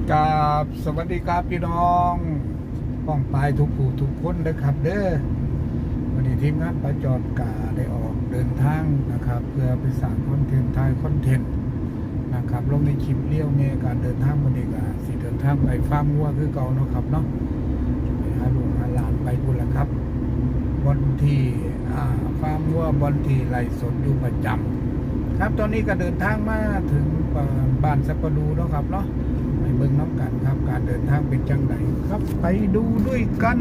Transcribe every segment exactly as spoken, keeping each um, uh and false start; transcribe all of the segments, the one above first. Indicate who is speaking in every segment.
Speaker 1: กราบสวัสดีครับพี่น้องป้องปลายทุกผู้ทุกคนนะครับเด้อวันนี้ทีมงานประจอดกาได้ออกเดินทางนะครับ เพื่อไปสร้างคอนเทนต์ไทยคอนเทนต์นะครับลงในคลิปเลี้ยวเมการเดินทางวันนี้ก็สิเดินทางไปฟาร์มวัวคือเก่าเนาะครับเนาะไปหาลูกหาหลานไปพุ่นละครับบนที่ฟาร์มวัวบนที่ไร่สดอยู่ประจำครับตอนนี้ก็เดินทางมาถึงบ้านสัปปะดูเนาะครับเนาะไปเบิ่งน้ำกันครับการเดินทางเป็นจังไดครับไปดูด้วยกัน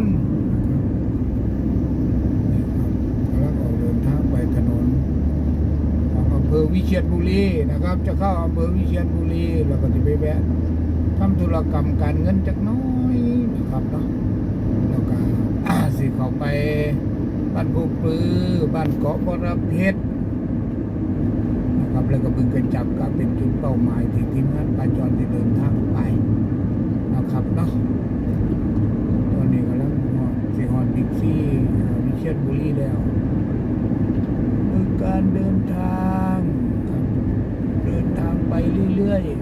Speaker 1: แล้วก็เดินทางไปถนนของอำเภอวิเชียรบุรีนะครับ จะเข้าอำเภอวิเชียรบุรีแล้วก็จะไปแวะทำธุรกรรมการเงินจักน้อยนะครับเนาะแล้วก็สิเข้าไปบ้านผู้ปลือบ้านเกาะบรเพชรนะครับแล้วก็บึงกระจับก็เป็นจุดเป้าหมายที่ทีมงานปาจรจะเดินทางไปนะครับเนาะตอนนี้กำลังฮอดสิฮอดบิ๊กซีวิเชียรบุรีแล้วคือการเดินทางครับเดินทางไปเรื่อยๆ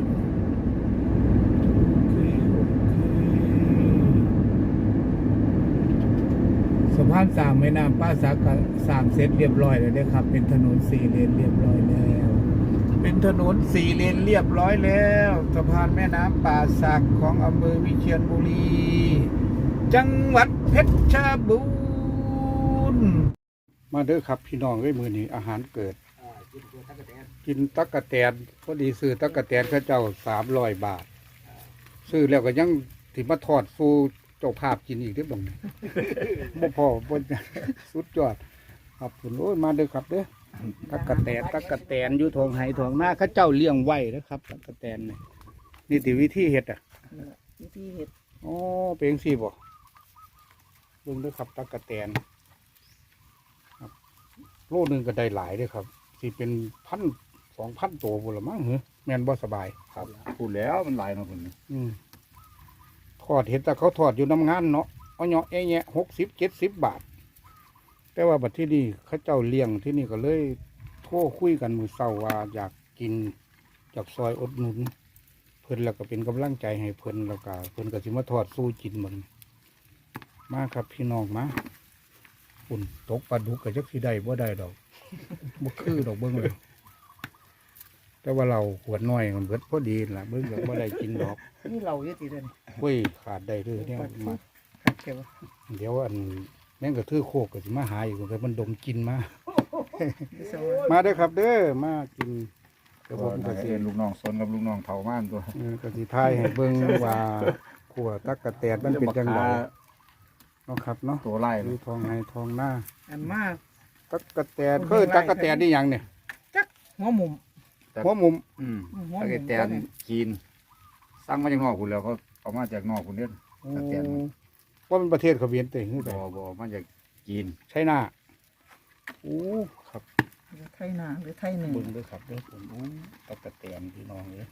Speaker 1: สะพานสามแม่น้ำป้าสักสามเซตเรียบร้อยแล้วนะครับเป็นถนนสี่เลนเรียบร้อยแล้วเป็นถนนสี่เลนเรียบร้อยแล้วสะพานแม่น้ำป่าสักของอำเภอวิเชียรบุรีจังหวัดเพชรบูรณ์มาเด้อครับพี่น้องเอ้ยมื้อนี้อาหารเกิดกินตั๊กแตนพอดีซื้อตั๊กแตนเขาเจ้าสามร้อยบาทซื้อแล้วก็ยังถิมาทอดฟูเจ้าภาพกินอีกเด้อบ่งบ่พอบ่สุดยอดครับคุณโอ้ยมาเด้อครับเด้อตั๊กแตนตั๊กแตนอยู่ทองไห้ทองหน้าเขาเจ้าเลี้ยงไว้นะครับตั๊กแตนนี่นี่ติวิธีเฮ็ดอ่ะ
Speaker 2: วิธีเฮ็ด
Speaker 1: อ๋อเป็นจังซี่บ่เบิ่งเด้อครับตั๊กแตนครับโลนึงก็ได้หลายเด้อครับสิเป็นพันสองพันตัวพุ่นละมั้งเหรอแม่นบ่สบายครับ
Speaker 3: พูดแล้วมันหลายเนาะพุ่น
Speaker 1: อืมทอดเห็นแต่เขาทอดอยู่น้ำงานเนาะเอาเนาะแอะแยะหกสิบเจ็ดสิบบาทแต่ว่าบัดที่นี่เขาเจ้าเลี้ยงที่นี่ก็เลยโทรคุยกันมือเศร้าว่าอยากกินจากซอยอดหนุนเพิ่นแล้วก็เป็นกำลังใจให้เพิ่นแล้วก็เพิ่นก็สิมาทอดสู้กินมันมาครับพี่น้องมาปุ่นตกปลาดุกก็จักสิได้บ่ได้ดอกบ่คือดอกเบิ่งเลยแต่ว่าเราขวดน้อยมันเบิดพอดีล่ะเบิ่งก็บ่ได้กินดอก
Speaker 2: นี่เราเยอะตีเด่น
Speaker 1: เว้ยขาดได้ด้วยเนี่ยมา
Speaker 2: ขาดเก็บ
Speaker 1: เดี๋ยวอันแม่งก็ถือโคกก็สิมาหาอยู่แต่มันดมกินมามาเด้อครับเด้อมากิน
Speaker 3: กระผมกระเทียนลูกน้องสนกับลูกน้องเผาม่านตัว
Speaker 1: กระสีไทยให้เบิ่งว่าขัวตักกะแตนมันเป็นจังไงเนาะครับเนาะ
Speaker 3: ตัวไล่
Speaker 1: ดูทองไงทองหน้า
Speaker 2: อันมาก
Speaker 1: ตักกะแตนคือตักกะแตนนี่ยังเนี่ย
Speaker 2: จักหัวมุม
Speaker 1: หัวมุม
Speaker 3: อืมตักกะแตนกินสร้างมาจากนอกคุณแล้วเขาเอามาจากนอกคุณเด่นตักกะแตน
Speaker 1: ว่าเป็นประเทศเขาเวียนเตย
Speaker 3: บ่บ่มาจากจีน
Speaker 1: ใช่หน้าโอ้ครับ
Speaker 2: ไทยนาหรือไทยหนึ่ง
Speaker 1: เบิ่งด้วยครับเด้อผมโอ้ตักกะแตนพี่น้องเลย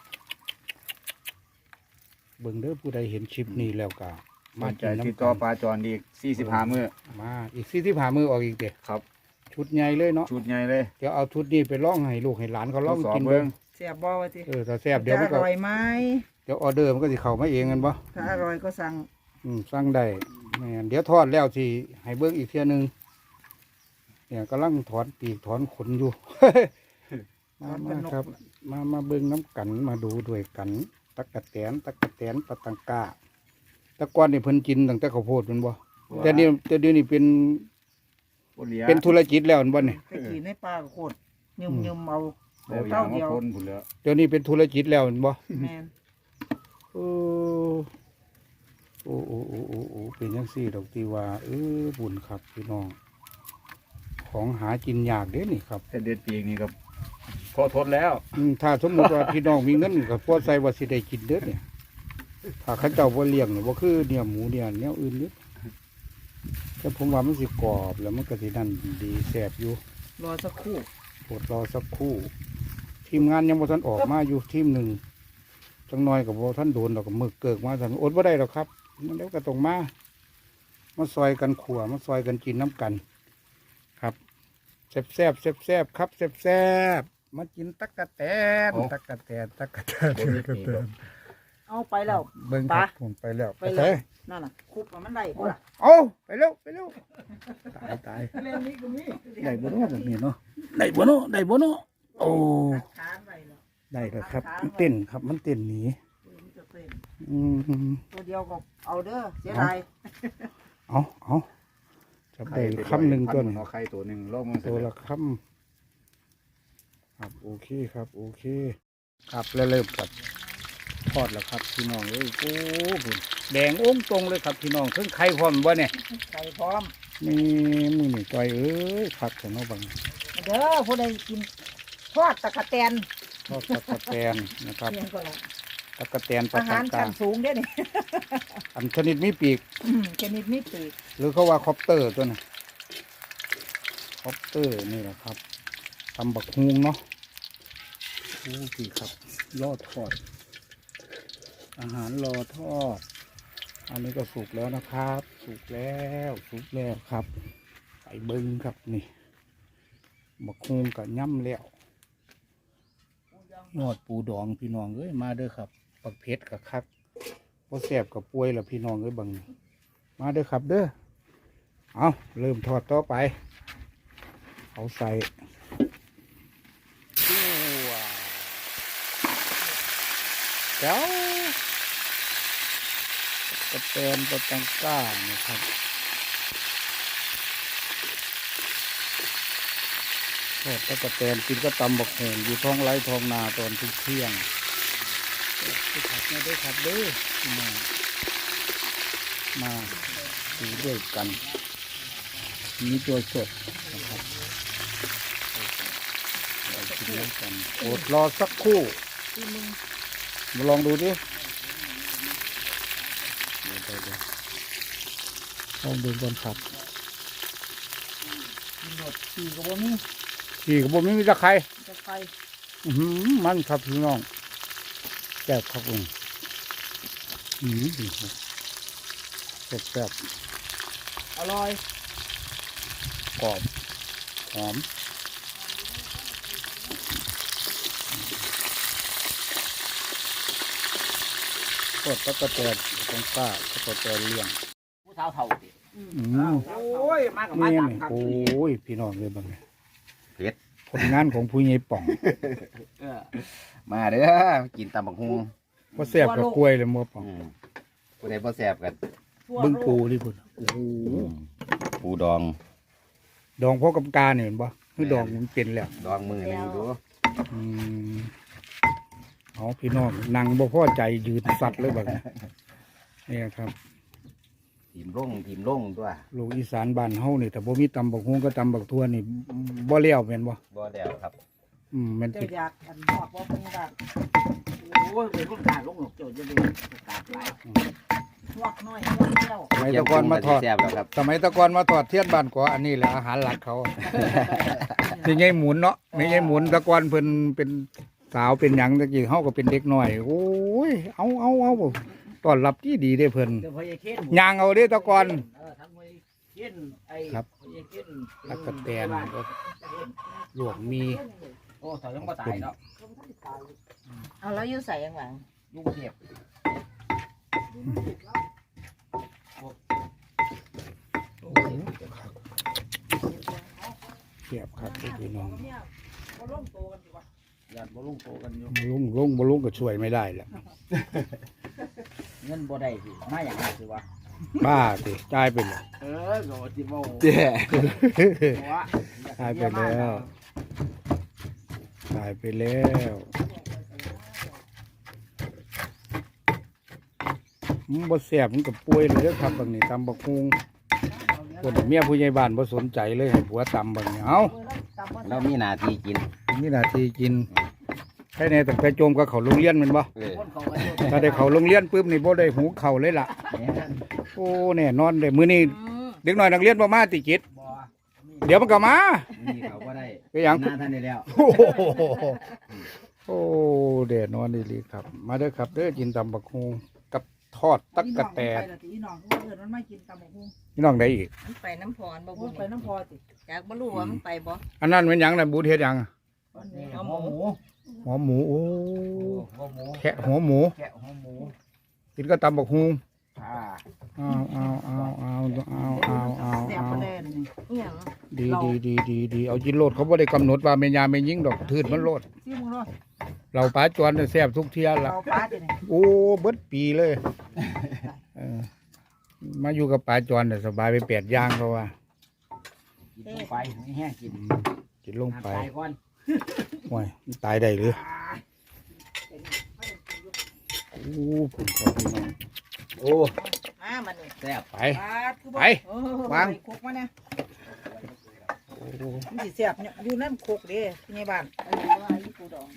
Speaker 1: เบิ่งเด้อผู้ใดเห็นคลิปนี้แล้วก็
Speaker 3: มาใจติดต่อปลาจรอีกสี่สิบห้ามื้อ
Speaker 1: มาอีกสี่สิบห้ามื้อออกอีกเด้อ
Speaker 3: ครับ
Speaker 1: ชุดใหญ่เลยเนาะ
Speaker 3: ชุดใหญ่เลย
Speaker 1: เดี๋ยวเอาชุดนี้ไปล่องให้ลูกให้หลานเขาล่องกิน
Speaker 3: เบิ่ง
Speaker 2: แซ่บบ่วะที
Speaker 1: เออถ้าแซ่บเดี๋ยวมันก็
Speaker 2: อร่อยไหม
Speaker 1: เดี๋ยวออเดอร์มันก็สิเข้ามาเองกันบ่
Speaker 2: ถ้าอร่อยก็สั่ง
Speaker 1: อืมสั่งได้แม่นเดี๋ยวทอดแล้วสิให้เบิ่งอีกเที่ยนึงเนี่ยกำลังถอนปีกถอนขนอยู่ มามาครับมามาเบิ่งน้ำกันมาดูด้วยกันตักกะแตนตักกะแตนปะตังกาแต่ก่อนนี่เพิ่นกินตั้งแต่ข้าวโพดมันบ่แต่นี่แต่เดี๋ยวนี้เป็นเป็นธุรกิจแล้วมันบ่นี่
Speaker 2: ไปกินในป่าโคตรยุ่มยุ่มเอา
Speaker 3: เต้าเดียว
Speaker 1: เดี๋ยวนี้เป็นธุรกิจแล้วมันบ่
Speaker 2: แม่น
Speaker 1: โอ้โอ้โอ้โอ้โอ้โอ้เป็นจังซี่ดอกตีว่าเออบุญครับพี่น้องของหากินยากเด้นี่ครับ
Speaker 3: แต่เด็ดปีกนี่ครับพอทนแล้ว
Speaker 1: ถ้าสมมติว่าพี่น้องมีเงินกับพอใส่ว่าสิได้กินเด้อเนี่ยถ้าเขาเจ้าบ่เลี้ยงเนี่ยบ่คือเนี่ยหมูเนี่ยแนวอื่นนิดแต่ผมว่ามันสิกรอบแล้วมันก็สินั่นดีแซ่บอยู่
Speaker 2: รอสักครู่
Speaker 1: อดรอสักครู่ทีมงานยังบ่ทันออกมาอยู่ทีมหนึ่งจังน้อยกับบ่ทันโดนดอกกับมือเกิกมาสั่นอดบ่ได้หรอกครับมันแล้วก็ต้องมามาซอยกันขั่วมาซอยกันกินน้ำกันครับแซ่บแซ่บแซ่บแซ่บครับแซ่บแซ่บมากินตักกะแตนตักกะแตนตักกะแตนตักกะแตน
Speaker 2: เอาไปแล้ว
Speaker 1: เบิ่งครับ
Speaker 2: ปะ
Speaker 1: ผมไปแล้ว
Speaker 2: ไป
Speaker 1: ไป
Speaker 2: เล
Speaker 1: ใส่
Speaker 2: ยนั่นน่ะคุบมันได้กูล่ะ
Speaker 1: เอาไปเร็วไปเร็วตายตาย
Speaker 2: เล่นนี้ก็มี
Speaker 1: ได้บ่เนาะแบบนี้เนาะได้บ่เนาะได้บ่เนาะโอ้
Speaker 2: ค้างไปแล้ว
Speaker 1: ได้แล้วครับมันเต้นครับมันเต้นหนี
Speaker 2: มันจะเป็น
Speaker 1: อืม
Speaker 2: ตัวเดียวก็เอาเด้อเสียดาย
Speaker 1: เอาเอาจับได้คำหนึ่งตัวหนึ่ง
Speaker 3: เอาไข่ตัวหนึ่งโลกมัน
Speaker 1: ตัวละคำครับโอเคครับโอเค ครับแล้วเริ่มกับทอดแล้วครับพี่น้องเอ้ยโอ้บุญแดงโอ้งตรงเลยครับพี่น้องเพิ่งไข่พร้อมบ่เนี่ย
Speaker 2: ใส่พร้อม
Speaker 1: นี่มือนี่จอยเอ้ยผักแต่เนาะบัง
Speaker 2: เด้อผู้ใดกินทอดตะกะแตน
Speaker 1: ทอดตะกะแตนนะครับ
Speaker 2: เพียงก็ละ
Speaker 1: ตะกะแตนปลา
Speaker 2: อาหาร
Speaker 1: ตา
Speaker 2: ชั้นสูงเด้อนี่
Speaker 1: อันชนิดมีปีก
Speaker 2: อืมชนิดนี้ปีก
Speaker 1: หรือเขาว่าคอปเตอร์ตัวน่ะคอปเตอร์นี่แหละครับตำบักฮุงเนาะโอ้พี่ครับรอทอด อาหารรอทอด อันนี้ก็สุกแล้วนะครับ สุกแล้วสุกแล้วครับไปเบิ้งครับนี่บักฮุงกับย่ำแล้วยอดปูดองพี่น้องเอ้ยมาเด้อครับปักเพชรกับคักพอแสบกับป่วยแล้วพี่น้องเอ้ยบังมาเด้อครับเด้อเอาเริ่มทอดต่อไปเอาใส่ว้าวเจ้ากระเตนกระตังก้านะครับทอดตะกระเตนกินก็ตำบักแหงอยู่ท้องไร่ท้องนาตอนทุกเที่ยงไปขับมาด้วยขับเด้อมามาดูด้วยกันมีตัวสดนะครับเรากินด้วยกันอดรอสักครู่
Speaker 2: ที่มึง
Speaker 1: มาลองดูดิเดี๋ยวเดี๋ยวเดี๋ยวลองดูก่อนครับ
Speaker 2: กินหมดปีกบ่มี
Speaker 1: ขี่กระบอกไม่มีตะไคร้
Speaker 2: จะไป
Speaker 1: อื้อหือมันครับพี่น้องแซ่บครับผมอืมดีครับแซ่บแซ่บ
Speaker 2: อร่อย
Speaker 1: กรอบหอมกดตะกะแตนตรงกล้าตะกะแตนเลี้ยง
Speaker 4: ผู้สาวเท่าติ
Speaker 1: อืม
Speaker 4: โอ้ย มากับมา
Speaker 1: นี่
Speaker 4: ตาม
Speaker 1: นี่
Speaker 4: ครับ
Speaker 1: โอ้ยพี่น้องเลยบางเนี่ย
Speaker 3: เผ็ด
Speaker 1: ผลงานของผู้ใหญ่ป่อง
Speaker 4: เออ
Speaker 3: มาเด้อกินตำบักฮุง
Speaker 1: ว่าแซ่บกับกล้วยเลยมัวป่อง
Speaker 3: อืมผู้ใดบ่แซ่บกัน
Speaker 2: ทั่ว
Speaker 1: บึ้ง
Speaker 2: โลก
Speaker 1: ปูนี่พุ่นโอ้โห
Speaker 3: ปูดอง
Speaker 1: ดองพ่อกำกาเนี่ยเห็นปะคือดองมันเป็นแล้ว
Speaker 3: ดองมือหนึงดู
Speaker 1: อืมเอาพี่น้องนั่งบ่พอใจยืนสัตว์เลยแบบนี้นี่ครับ
Speaker 3: ทีมร่งทีมร่งตัว
Speaker 1: ลูกอีสานบ้านเฮานี่แต่บ่มีตำบักฮวงก็ตำบักทั่วนี่บ่เลี้ยวแม่นบ่
Speaker 3: บ่แล้วครับ
Speaker 1: อืมแม่น
Speaker 2: เจ้า
Speaker 1: ติด
Speaker 2: อยากอันหอกบ่เป็นแบบ
Speaker 4: โอ้ยเป็นคนกลารลงหนกโจทย์จะเป็นกลารหลาย
Speaker 2: หวกน้อยหวกเดียว
Speaker 1: สมัยแตะกอนมาทอด
Speaker 3: แซ่บแล้วครับ
Speaker 1: สมัยแตะกอนมาทอดเทียนบ้านกออันนี้แหละอาหารหลักเขานี่ไงหมุนเนาะนี่ไงหมุนแตะกอนเพิ่นเป็นสาวเป็นหยังตะกี้เฮาก็เป็นเด็กน้อยโอ้ยเอาเอาเอาต้อนรับที่ดีเด้เพิ่น
Speaker 4: เดี๋ยวพอยายเค้น
Speaker 1: ย่างเอาเด้แตะกอน
Speaker 4: เออทั้งพอยายเค้นไอ้
Speaker 1: ครับ
Speaker 4: พอยายเค้น
Speaker 1: ตะกะแตนก็ลวกมี
Speaker 4: โอ้ถอยยังบ่ตายเนาะ
Speaker 5: เอาแล้วอยู่ใส่ยังไง
Speaker 4: ยุ่งเทียบ
Speaker 1: เสียบครับพี่น้อง
Speaker 2: บ่ลงโตกันดีกว่า
Speaker 4: ญาติบ่ลุงโตกันอยู่
Speaker 1: บ่ลุงลุงบ่ลุงก็ช่วยไม่ได้แหละ
Speaker 4: เงินบ่ได้สิมาอย่างไรสิวะ
Speaker 1: บ้าสิจ่ายไปเลย
Speaker 4: เออก็สิบ่
Speaker 3: เจ้
Speaker 4: ว่า
Speaker 1: ตายไปแล้วตายไปแล้วมันบ่แซ่บมันก็ป่วยเลยเด้อครับบางนี้ตำบักฮุงคนเมียผู้ใหญ่บ้านบ่สนใจเลยให้ผัวตำบางนี้เอ้า
Speaker 3: เรามีหน้าที่กิน
Speaker 1: มีหน้าที่กินแค่ในตั้งแต่โจมก็เข้าโรงเรียนแมันบ่
Speaker 3: เออ
Speaker 4: คนเขาก็อยู่
Speaker 1: ถ้าได้เข้าโรงเรียนปุ๊บนี่บ่ได้หูเข้าเลยล่ะ โอ้แน่นอนเลยมื้อนี้เด็กน้อยนักเรียนบ่มาติจิต
Speaker 4: บ่
Speaker 1: เดี๋ยวมันก็มา
Speaker 3: มีเขาบ่ได้
Speaker 1: ไปหยัง
Speaker 3: หน้าท่านได้แล้ว
Speaker 1: โอ้โหโอ้เดดนอนดีหลีครับ มาเด้อครับเด้อกินตำบักฮุงกับทอดตักกะแตน
Speaker 2: อีน้องมันไปละติอีน้องเอิ้นมันไม่กินตำบักหุ่ง
Speaker 1: นี่น้องได้อีก
Speaker 5: มันไปน้ำพรบ่
Speaker 2: โอ้
Speaker 5: บุ
Speaker 2: ย
Speaker 5: ญ
Speaker 2: ไปน้ำพอติ
Speaker 5: อยากบ่รู้ว่ามันไปบ่
Speaker 1: อันนั้นเป็นหยังน่ะบูเฮ็ดหยัง
Speaker 2: วันนี้
Speaker 4: หัวหมู
Speaker 1: หัวหมูโอ้
Speaker 4: หัวหมู
Speaker 1: แค่หัวหมู
Speaker 4: แกะหัวหมู
Speaker 1: กินก็ตำบักฮุง
Speaker 3: อ่า
Speaker 1: เอาเอาเอาเอาเอาเอาเอา
Speaker 2: แซ่บ
Speaker 1: เอา
Speaker 2: บ่ได้นี่
Speaker 5: อหย่าง
Speaker 1: ดีดีดีดีดีเอาจินโลดเขาบ่ได้กำหนดว่าแม่ยาแม่ยิงดอกทืดมันโลด
Speaker 2: ซิมึงเนาะ
Speaker 1: เราปลาจวนน่ะแซ่บทุกเที่ยละ
Speaker 2: เอาปลาดินี่
Speaker 1: โอ้เบิดปีเลยเออมาอยู่กับปลาจวนน่ะสบายไปแปดอย่างเพราะว่า
Speaker 4: กินลงไปไม่แห้งกิน
Speaker 1: กินลงไป
Speaker 4: น้ำตายก่อน
Speaker 1: โอ้ยมันตายได้หรือโอ้ผมขอพี่น้อง
Speaker 3: โอ้
Speaker 5: มามันนี่
Speaker 3: แซ่บ
Speaker 1: ไป
Speaker 2: ปลาคือบ่
Speaker 1: ไป
Speaker 2: เออ
Speaker 1: วาง
Speaker 2: ไปคุกมาเนี่ย
Speaker 1: โอ้
Speaker 2: มันสิแซ่บเนี่ยอยู่นั่นคุกเด้ที่ในบ้าน
Speaker 5: อันนี้ว่าอีปูดอง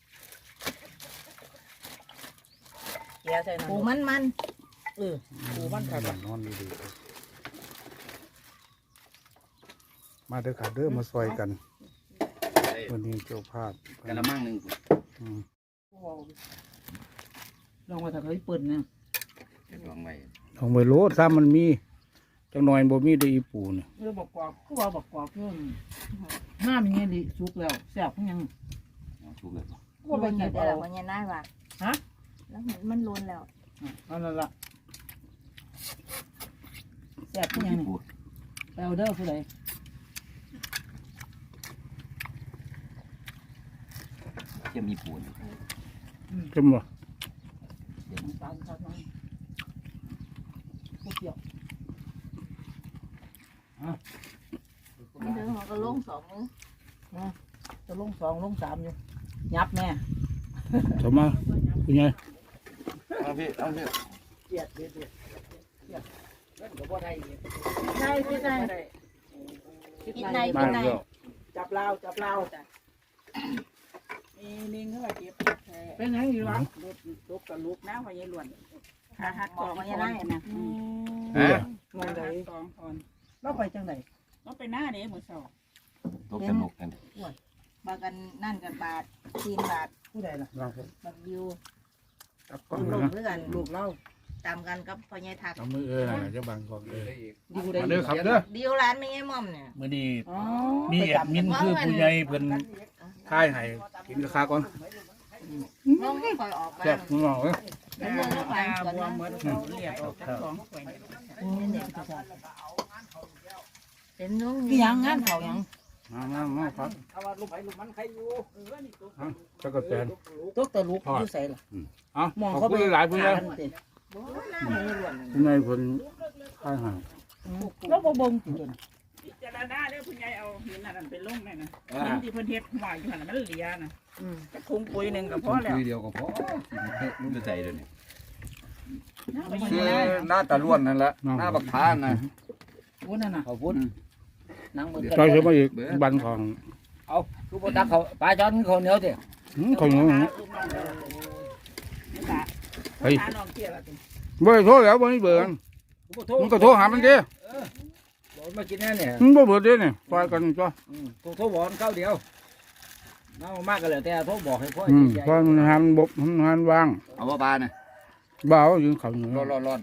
Speaker 5: เดี๋ยวใส่น้ำปูมันมัน
Speaker 2: เออปูมันครับ
Speaker 1: นอนดีๆมาเด้อค่ะเด้อมาซอยกันวันนี้เจ้าภาพ
Speaker 3: กะละมังหนึ่ง
Speaker 1: อืม
Speaker 2: ลองมาถ้าเคยเปิดเนี่ย
Speaker 3: เดี๋ยวลองไว้
Speaker 1: ลองไปโลดถ้ามันมีจังหน่อยบ่มีได้อีปูเนี่ย
Speaker 2: เออบอกกรอบคือว่าบอกกรอบเพิ่นห้ามอย่างเงี้ยดิสุกแล้วแซ่บคือหยัง
Speaker 3: เอาชุบเลยบ่
Speaker 2: ก็บ่
Speaker 5: มัน
Speaker 2: เก็
Speaker 5: เดี๋
Speaker 2: บ
Speaker 5: ยว
Speaker 2: เอา
Speaker 5: เราเนี่ยน่าว่ะ
Speaker 2: ฮะ
Speaker 5: แล้วมันมันล้นแล้ว
Speaker 2: เอานั่นล่ะแซ่บคือหยังนี่
Speaker 3: ปูด
Speaker 2: ไปเอาเด้อผู้ใด
Speaker 3: เทียมมีปูน
Speaker 1: เข้มบ่
Speaker 2: น้ำตาลครับน้องผู้เกี่ยว
Speaker 5: มันเดินหัวก็ลงสองมือ
Speaker 2: จะลงสองลงสามอยู่ยับแน่
Speaker 1: สมมาคุณยาย
Speaker 3: เอาพี่เอาพี่
Speaker 2: เกียดเด็ดเด็ดเกียดเล่นกับบ่ได้อีก
Speaker 5: ใช่พี่ใช่
Speaker 2: บ่ได้
Speaker 5: กินใน
Speaker 1: มา
Speaker 5: กินใน
Speaker 1: แล้ว
Speaker 2: จับลาวจับลาวมีนิ่งเข้าไปเก็บเป็นไงอยู่วะลูกลูกกับลูกน้ำไปยัยล้วนขาหัก
Speaker 5: บอกว่าจะได้นะ
Speaker 1: เออ
Speaker 2: มองไหนสองคนเราไปจังไหนเราไปหน้าเด้มือสอง
Speaker 3: ตกสนุกกัน
Speaker 5: บากันนั่นกันบาทจีนบาท
Speaker 2: ผู้ใดล่ะ
Speaker 5: บักวิว
Speaker 1: จับก่อน
Speaker 5: ลง
Speaker 1: นะ
Speaker 5: เพื่อน
Speaker 2: ลูกเรา
Speaker 5: ตามกันกับพ่อใหญ่ทัก
Speaker 1: เอามือเออน่ะจะบังก่อนเออ
Speaker 2: ดีกูได้
Speaker 1: มาเด้อครับเด้อ
Speaker 5: เดียวร้านไม่ใช่ม่อมเนี่ย
Speaker 1: มื้อนี้
Speaker 2: อ๋อ
Speaker 1: มีแอดมินคือผู้ใหญ่เพิ่นค่ายให้กินราคาก่อน
Speaker 5: น้องไม่ค่อยออกไป
Speaker 1: แซ่บคุณน้องเอ้ย
Speaker 5: เป็นเมืองก็ไป
Speaker 2: ตา
Speaker 5: สวน
Speaker 2: บวม
Speaker 5: นะ
Speaker 2: เหมือนเขาเรียกออกจากสองข่อย
Speaker 5: เป็นน้อง
Speaker 2: พี่ยังงานเขายัง
Speaker 1: มามามาครับ
Speaker 2: เอาว่าลูกไปลูกมันใครอยู่เออนี่ตัว
Speaker 1: เอาจักรแตน
Speaker 2: ตัวตะลุกอยู่ใส่ล่ะ
Speaker 1: เอ้าม
Speaker 2: อง
Speaker 1: ขอบ
Speaker 2: เขา
Speaker 1: คุณหลายๆผู้ใหญ่
Speaker 2: ติ
Speaker 1: ผู้ใหญ่เพิ่นค่ายให้
Speaker 2: แล้วบ่บ่งติด
Speaker 6: พิจารณาเด้อคุณยายเอาหินอันนั้นไปลงแม่นะหินที่เพิ่นเฮ็ดหัวอยู่หั่นน่ะมันเหลียนะ
Speaker 2: อืม
Speaker 6: ก็คุงปุ๋ยหนึงก็พอแล้ว
Speaker 3: คุยเดียวก็พอรู้จะใจเลยนี่
Speaker 6: เอาไป
Speaker 3: คือ
Speaker 6: ยังไง
Speaker 3: หน้าตาล้วนนั่นแหละหน้าบักพานนะ
Speaker 2: โอ้นั่นน่ะ
Speaker 4: เขาพูดนั่งมือ
Speaker 1: จอยเสือมาอีกบันของ
Speaker 4: เอาคือบ่ตักเขาปลาจอนเขาเหนียวสิ
Speaker 1: หืมของหนู
Speaker 6: เฮ้ยหาน้องเที่ยวละติ
Speaker 1: บ่ได้โทรแล้วบ่มีเบอร์กัน
Speaker 4: กูบ่โทร
Speaker 1: มึงก็โทรหามันดิ
Speaker 4: บอกมากินแน่เนี่ย
Speaker 1: มึงบ่เบิดเด้นี่ซอยกันจ้ะ
Speaker 4: อืมโทรโทรบอกมันเข้าเดียวน้ามากก็แล้วแต่โทรบอกให้พ่อ
Speaker 1: อืม
Speaker 4: ใหญ่
Speaker 1: เพราะมันหันบกมันหันวาง
Speaker 3: เอาว่าปลาน่ะ
Speaker 1: บ่าวยิงเขาอยู่
Speaker 3: ร้อนร้อนร้อน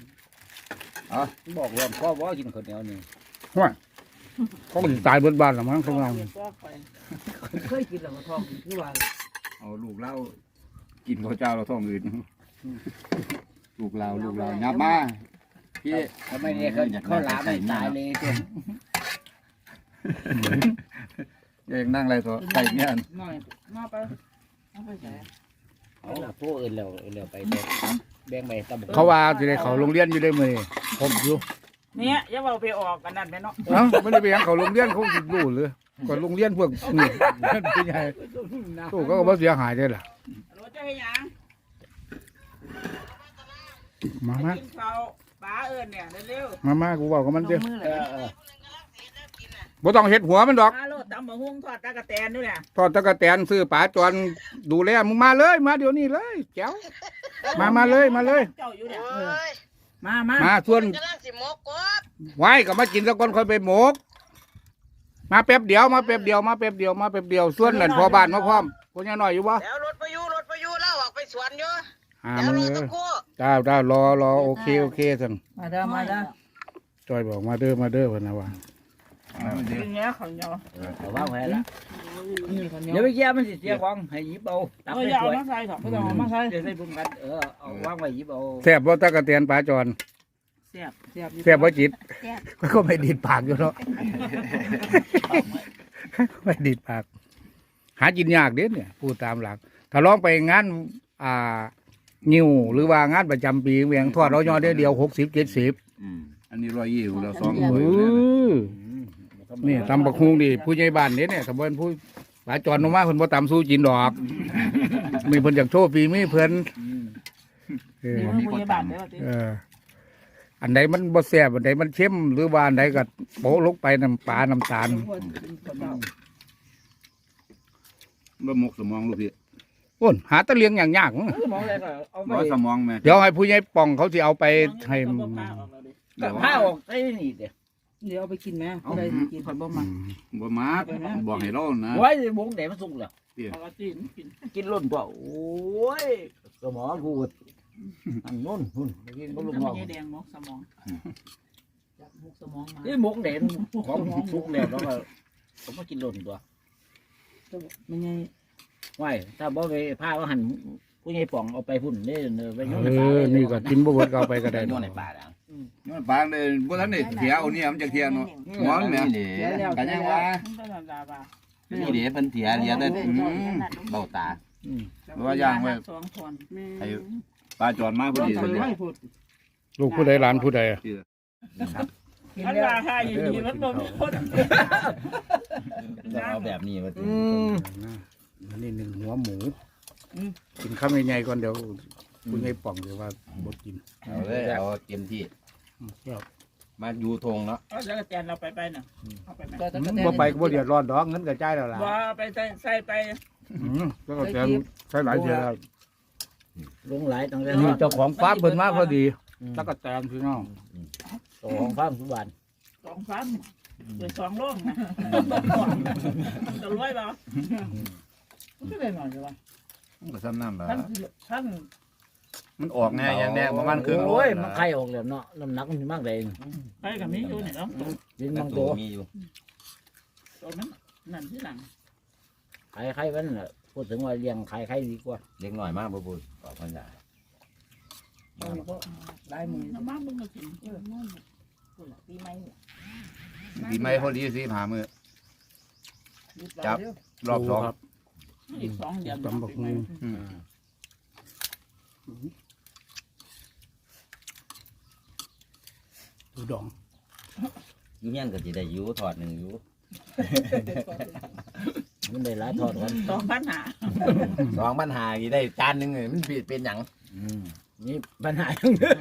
Speaker 4: บอกว่าพ่อบ่กินข้าวเหนียวนี่
Speaker 1: เขาก็สิตายเบิดบ้านละมั้งข้างล่างนี่
Speaker 2: เคยกินแล้วก็ท้องคือว่า
Speaker 3: เอาลูกเล่ากินข้าวเจ้าเราท้องอื่นลูกเราลูกเรายับมาพี่
Speaker 4: ทำไมเนี่ยเขาเขาหลามไม่ตายเลยตัว
Speaker 3: เองนั่งอะไรตัวไก่เนี่ย
Speaker 2: น้อยมาไปเอาไปใส่
Speaker 4: เอาพวกอื่นแล้วอื่นแล้วไปเด้อแบ่งไปตะบก
Speaker 1: เขาว่าสิได้เขาโรงเรียนอยู่ได้มื้อนี้ผมอยู่
Speaker 6: เนี่ยอย่าเอาไปออกกันนั่นแม่เนาะ
Speaker 1: เอ้าไม่ได้ไปหยังเขาโรงเรียนเขาสิรู้เลยก็โรงเรียนพวกนี่ผู้ใหญ่ตู้เขาก็บ่เสียหายได้ล่ะ
Speaker 6: รถจะให้หยัง
Speaker 1: มามา
Speaker 6: กินข้าวปลาเอิ้นเนี่ยเร็ว
Speaker 1: มามากูบอกกับมัน
Speaker 5: ล
Speaker 1: เด้อง
Speaker 5: มือ
Speaker 4: เอ
Speaker 5: เลย
Speaker 4: อเออ
Speaker 1: บ่ต้องเฮ็ดหัวมันดอก
Speaker 6: ๆปลาโลดตำบักหุ่งทอดตะกะแตนด้วยเนี่ย
Speaker 1: ทอดตะกะแตนซื้อปลาจวนดูแลมึงมาเลยมาเดี๋ยวนี้เลยแจ๋วมามาเลยมาเลย
Speaker 6: เจ้าอยู่เนี่ย
Speaker 2: มามา
Speaker 1: มาส่วนไว้ก็มากินสักคนค่อยไปหมก มาแป๊บเดียวมาแป๊บเดียวมาแป๊บเดียวมาแป๊บเดียวส่วนนั่นพอบ้านมาพร้อมพวกนี้น้อยอยู่บ่
Speaker 7: แล้วรถไปอยู่รถไปอยู่แล้วออกไปสวนอยู่
Speaker 1: อ่า
Speaker 7: แล้ว
Speaker 1: มึง
Speaker 7: รถ
Speaker 1: เอ
Speaker 7: ตะ
Speaker 1: อ
Speaker 7: กู้
Speaker 1: จ้าจ้ารอรอโอเคโอเคสั่ง
Speaker 2: มาเด้อมาเด้อ
Speaker 1: จอยบอกมาเด้อมาเด้อเพิ่นนะว่า
Speaker 6: กินเนี้ยเขาเนาะ
Speaker 4: เอาว่างไว้ละ
Speaker 2: นี่คนเดีย
Speaker 4: เดี๋ยว วไปเกี่ยมันสิเสียของให้หยิบเอาตัก
Speaker 6: เออ
Speaker 4: ไป
Speaker 6: อย่าเอา
Speaker 4: สวย
Speaker 6: มาใส่ถอดไม่ต้องเอามาใส่
Speaker 4: เดี๋ยวใส่บุญกันเออเอาว่างไว้หยิบเอา
Speaker 1: แซ่บบ่ตะกะเตียนปลาจอน
Speaker 6: เสียบเสียบ
Speaker 1: แซ่บบ่จิตก็ไม่ดีดปากอยู่เนาะไม่ดีดปาก หากินยากเด้เนี่ยพูดตามหลัก ถ้าลองไปงานอ่านิวหรือว่างานประจำปีเวียงทอดเรายอดได้เดียวหกสิบเจ็ดสิบ
Speaker 3: อันนี้ร้อยยี่สิบเราสอง
Speaker 1: เอ
Speaker 3: ถ้วยเลยนะ
Speaker 1: อนี่ตำบักฮุงดิผู้ใหญ่บ้านเนี่ยเนี่ยถ้าเพิ่นผู้ปลาจอนลงมาเพิ่นบ่ตำสู้กินดอก มีเพิ่นอยากโชว์ฝีมือเพิ่นเออ
Speaker 6: นี่มันพยาบาลได้ป่ะติ
Speaker 1: เออ อันใดมันบ่แซ่บอันใดมันเค็มหรือว่าอันใดก็โปะลงไปน้ำปลาน้ำตาล
Speaker 3: บ่หมกสมองลูกพี่
Speaker 1: โอ้นหาตะเลียงอย่างยากมั้ง
Speaker 4: มองอะไรก็เอาไป
Speaker 3: ร้อยสมองแม่
Speaker 1: เดี๋ยวให้ผู้ใหญ่ป่องเขาสิเอาไปให้
Speaker 4: กับผ้าออกใส่นี่เดี๋ยว
Speaker 2: เดี๋ยวเอาไปกินไหมเอาไปกิน
Speaker 6: ข่อยบ่มา
Speaker 3: บ่มาบอกให้เรานะ
Speaker 4: ไว้บงแดดมันสุกแล้ว
Speaker 6: เอาละกินกิน
Speaker 4: กินล้นตัวโอ้ยสมองกูอันนู้นหุ่นกินก็ลูก
Speaker 6: น้ำ
Speaker 4: น้
Speaker 6: มั
Speaker 4: อน ง
Speaker 6: แดงมกสมองจับมกสมองมา
Speaker 4: นี่บงแดดของสุกแล้วแล้วก็ผมมากินล้นตัว
Speaker 2: ไม่ไง
Speaker 4: ไว้ถ้าบ่ไปผ้าว่าหันผู้ใหญ่ป่องเอาไปพุ่นนี่เนอไปโยน
Speaker 1: เอ
Speaker 4: ในป่า
Speaker 1: อนี่ก็กินบ่เบิดก็เอาไปก็ได้
Speaker 8: โย
Speaker 1: ดอก
Speaker 8: นในป่าดัง
Speaker 3: มันปางเลยบ่ทันได้เถียเอาเนี่ยมันจะเถียเนาะหมอนแม่
Speaker 8: นี่เดี๋ยว
Speaker 3: กันยังว่า
Speaker 6: มันเป็นธรรมดาป่ะ
Speaker 8: นี่เดี๋ยวเพิ่นเถียเดี๋ยวแต่เบ้าตา
Speaker 3: ว่าย่างไว้
Speaker 6: สองคน
Speaker 3: ให้ปลาจอนมาพอดีเลย
Speaker 2: ไม่พูด
Speaker 1: ลูกผู้ใดหลานผู้ใดอะ
Speaker 6: อันว่าให้อยู่ดีมันบ่มีคน
Speaker 8: จะเอาแบบนี้มา
Speaker 1: อืมอันนี้หนึ่งหัวหมูกินข้าวใหญ่ๆก่อนเดี๋ยวผู้ใหญ่ป่องเดี๋ยวว่าบ่กิน
Speaker 8: เอาเลยเอาเต็มที่
Speaker 1: อืมครับ
Speaker 8: มาอยู่ทงเนาะ
Speaker 6: เอาแล้วแตนเราไปไปน่ะเอาไปไหม
Speaker 2: ก็ตะ
Speaker 1: อื
Speaker 2: กะ
Speaker 1: ม
Speaker 2: แตน
Speaker 1: บ่ไปก็บ่เดือดร้อนดอกเงินกระจายแล้วล่ะ
Speaker 6: ว่าไปใส่ใส่ไป
Speaker 1: อืมแล้วก็แกนใช้หลายเดือนแล้ว
Speaker 4: ลงหลายตั้งแต่
Speaker 1: นี่เจ้าของฟาร์มเพิ่นมาพอดีแล้วก็แตนพี่น้อง
Speaker 4: เจ้าของฟาร์มทุกวัน
Speaker 6: สองฟันเป็นสองโลกนะจะรวยเปล่ามันก็ได้หน่อยใช่ป่ะ
Speaker 3: มันก็ซ้ำน้ำละ
Speaker 6: ท่านท่าน
Speaker 3: มันออกแน่อย่างแน่ประมาณครึ่งโล
Speaker 4: โอ้ยมันไข่ออกแล้วเนาะน้ำหนักมันมากเลย
Speaker 6: ไปกับมีอยู่เนี่ยเนาะ
Speaker 4: กิน
Speaker 8: แต่
Speaker 4: บาง
Speaker 8: ตั
Speaker 4: ตัว ว
Speaker 8: มีอยู่
Speaker 6: ตัวนั้นนั่นที่หลัง
Speaker 4: ไข่ไข่มันน่ะพูดถึงว่าเลี้ยงไข่ไข่ดีกว่า
Speaker 8: เล็กหน่อยมากบ่พูดตอบมันได้
Speaker 2: ลายมือ
Speaker 6: น้ำมันมึงก็กิน
Speaker 5: ปีใหม่
Speaker 3: ปีใหม่พอดีสิหามื้อจับรอบสอง
Speaker 1: ครับ
Speaker 6: อีกสองเดือน
Speaker 1: ตำบักหุ่ง
Speaker 3: อืม
Speaker 1: ดูดอง
Speaker 8: อยู่ยังก็สิได้อยู่ถอดหนึ่งอยู่
Speaker 4: มันได้หลายทอดกัน
Speaker 6: สองพันหา
Speaker 8: สองปัญหาสิได้จานหนึงเลยมันผิดเป็นหยัง
Speaker 4: นี่ปัญหาอย่างเดียว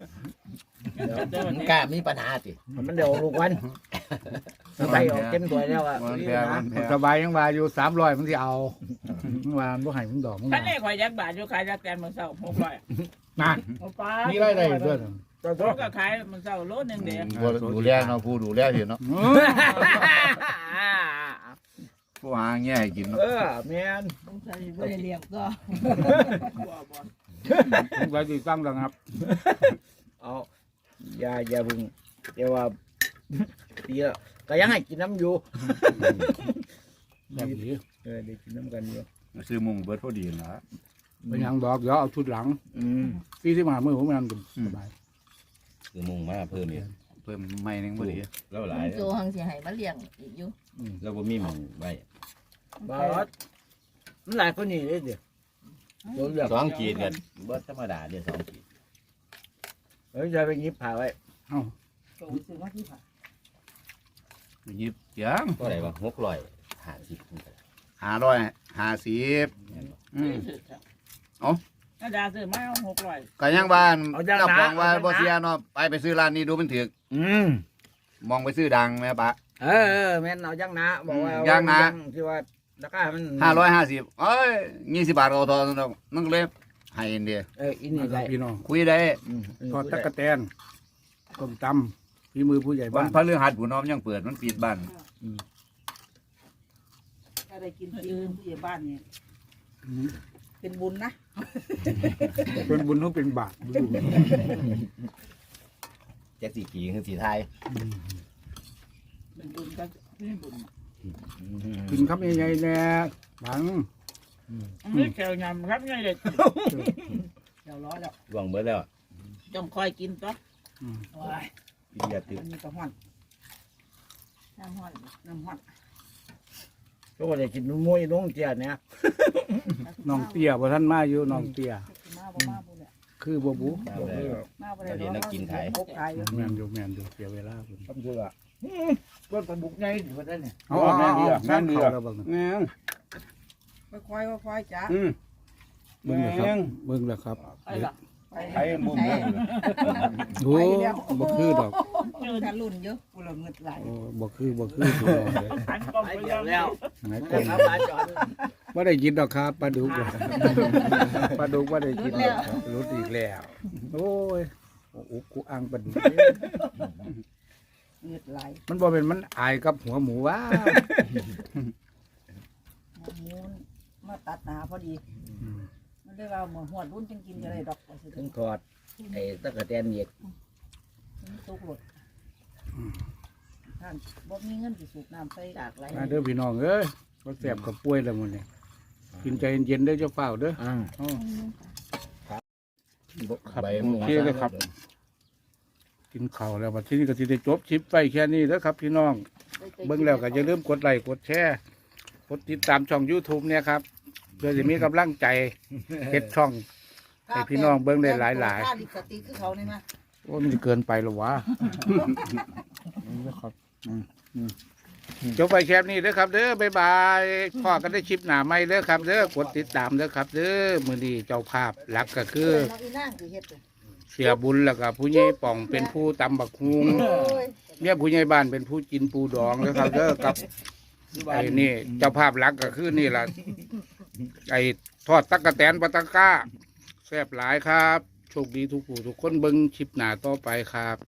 Speaker 8: มันกล้ามีปัญหาสิ
Speaker 4: มันเดี๋ยวลูกวันใส่ออกเต็มตัวแล้วอ่ะ
Speaker 3: มันแพ้มันแพ้
Speaker 1: สบายยังว่าอยู่สามร้อยมันสิเอาว่ามันบ่ให้มึงดอกมึง
Speaker 6: ท่านเอกข่อยยักบาทอยู่ขายยักแตนมันเศร้าหกร้อย
Speaker 1: นั่น
Speaker 6: โอ้ป้า
Speaker 1: มีรายได้ด้วย
Speaker 6: เขาก็ขายมันเศร้าโลนึงเดียว
Speaker 3: บ่ดูแลเนาะผู้ดูแลสิเนาะผู้หาแง่ให้กินเนาะ
Speaker 4: เออแมน
Speaker 5: ต้องใส่บ่ได้เลี้ยงก็
Speaker 1: ไว้ติดตั้งแล้วครับ
Speaker 4: เอาอย่าอย่าพึ่งแต่ว่าตีแล้วก็ยังให้กินน้ำอยู่
Speaker 1: แบบนี้
Speaker 4: เออได้กินน้ำกันอยู่
Speaker 3: ซื้อมุงเบิดพอดีล่ะ
Speaker 1: เป็นหยังดอกเดี๋ยวเอาชุดหลัง
Speaker 4: อืม
Speaker 1: สี่สิบห้ามื้อผมมันสบาย
Speaker 8: คือมุ่งมาเพิ่มอีก
Speaker 3: เพิ่มใหม่หนึงพอดี
Speaker 8: แล้วหลาย
Speaker 5: โจหังสิให้มาเลี้ยงอีกอยู่
Speaker 8: แล้วบ่มีหมุ่งไว้
Speaker 4: บาสมันหลายคนนี่เลยเดี๋ยวโดนเลือก
Speaker 8: สองขีดกันบ่ธรรมดาเด้อสองขีด
Speaker 4: เฮ้ยจะไปหยิบผ่าไว้
Speaker 6: โตซื้อมาที่ผ่า
Speaker 3: หยิบเสียง
Speaker 8: ก็ได้ว่าหกร้อยห้าสิบ
Speaker 3: ห้าร้อยห้าสิบอืม
Speaker 6: อาจารย์ซื้อมาหกร้อย
Speaker 3: ก็ยังบ้านเจ้าของว่าบ่เสียเนาะไปไปซื้อร้านนี้ดูมันถึก
Speaker 4: อืม
Speaker 3: มองไปซื้อดังแม่ปะ
Speaker 4: เออเออแม่นเอาย่างนะบอกว่า
Speaker 3: ย่างนะ
Speaker 4: ที่ว่าราคามัน
Speaker 3: ห้าร้อยห้าสิบเอ้ยยี่สิบบาทก็เอาทอนแล้วนั่นก็เลยให้เดีย
Speaker 4: เอออินนี่ได้
Speaker 1: พี่น้อง
Speaker 3: คุยได้
Speaker 4: อืม
Speaker 1: ทอดตะกะแตนต้มตำฝีมือผู้ใหญ่
Speaker 3: วั
Speaker 1: บ้าน น
Speaker 3: พฤหัสผู้น้อมยังเปิดมันปิดบ้าน
Speaker 6: ถ้าได้กินที่อื่นที่บ้านนี่
Speaker 1: อืม
Speaker 6: เป็นบุญนะ
Speaker 1: เป็นบุญต้องเป็นบาปดู
Speaker 8: แจ็คสีขีคือสีไทย
Speaker 6: เป็นบุญกันนี่บุญ
Speaker 1: กินคำใหญ่ๆแน่บัง
Speaker 6: นี่แก้วยำครับไงเด็กแก้วร้อยแล้ว
Speaker 8: หวังเบิดแล้ว
Speaker 6: ต้องคอยกินต่อ
Speaker 8: กินยาติด
Speaker 6: อันนี้ก็ห้อน
Speaker 5: น้ำห้อน
Speaker 6: น้ำห้อน
Speaker 4: ก็ว่าได้กินมวยน้องเจียเนี่ย
Speaker 1: น้องเตี้ยบ่ท่านมาอยู่น้องเตี้ย
Speaker 6: มาบ่มาบ่เนี่ย
Speaker 1: คือบ่บุ
Speaker 8: เอาเลย
Speaker 6: มาบ่ได้
Speaker 8: เราเรียนนักกินไทย
Speaker 6: พกไทยอยู่
Speaker 1: แม่นอยู่แม่นอยู่เสียเวลาเพิ่น
Speaker 4: ทำเถอะรถบรรทุกไงถือว่าได้เนี่ย
Speaker 1: เอาเอาเอาเอา
Speaker 3: แม่นดี
Speaker 1: เข้า
Speaker 3: อ่ะ
Speaker 1: แล้วเบิ่ง
Speaker 3: แม่น
Speaker 6: ค่อยๆค่อยๆจ้า
Speaker 3: อืม
Speaker 1: เบิ่งแล้วครับเบิ่งแล้วครับ
Speaker 6: ไปละไป
Speaker 3: ไอ้มุมเลย
Speaker 1: โอ้บ่คือดอก
Speaker 5: ถ้ารุ่นเยอะ
Speaker 6: กูละเงิดไหล
Speaker 1: โอ้บ่คือบ่คือพี่น้องเด้อ
Speaker 6: อันก็ไปแล้ว
Speaker 1: ไหนก
Speaker 4: เด็
Speaker 1: ล
Speaker 4: ก
Speaker 1: ม
Speaker 4: ครับปลาจอน
Speaker 1: บ่ได้กินดอกครับปลาดุกปลาดุกบ่ได้กินดอกครับรุดอีกแล้วโอ้ยโอ้อุกกูอังปลาดุก
Speaker 6: เงิดไหล
Speaker 1: มันบ่เป็นมันอายกับหัวหมูว่า
Speaker 6: หมูมาตัดหนาพอดีมันได้ว่าหมูหัวรุ่นจังกินจะได้ดอกว่าสิ
Speaker 4: ถึงถอดไอ้ตะกะแตนเหยียด
Speaker 6: ตุกหลดท่านบ่มีเงินสิสูบน้ำใส่ดากไหล
Speaker 1: มาเด้อพี่น้องเอ้ยบ่แซ่บกับป่วยแล้วมื้อนี้กินใจเย็นๆเด้อเจ้าเฝ้าเด้อ
Speaker 4: อ่า
Speaker 1: อ้อ
Speaker 8: ใบหมู
Speaker 1: โอเคเลยครับ กินข้าวแล้วบัดทีนี้ก็สิได้จบคลิปไปแค่นี้เด้อครับพี่น้องเบิ่งแล้วก็อย่าลืมกดไลค์กดแชร์กดติดตามช่อง YouTube เนี่ยครับเพื่อจะมีกำลังใจเฮ็ดช่อง ให้พี่น้องเบิ่งได้หลายๆ
Speaker 6: ค่าลิขสิทธิ์คือเขานี่มา
Speaker 1: โอ้มันจะเกินไปหรอวะ ครับจบไปแคปนี้เด้อครับเด้อบ๊ายบายพ่อกันได้คลิปหน้าใหม่เด้อครับเด้อกดติดตามเด้อครับเด้อมื้อนี้เจ้าภาพหลักก็คือ
Speaker 6: น้องอีนางสิเฮ็ด
Speaker 1: เสียบุญแล้วก็ผู้ใหญ่ป่องเป็นผู้ตำบักฮุงเนี่ยผู้ใหญ่บ้านเป็นผู้กินปูดองแล้วครับเด้อกับไอ้นี่เจ้าภาพหลักก็คือนี่ล่ะไอ้ทอดตักกะแตนปลาตะก้าแซ่บหลายครับโชคดีทุกผู้ทุกคนเบิ่งคลิปหน้าต่อไปครับ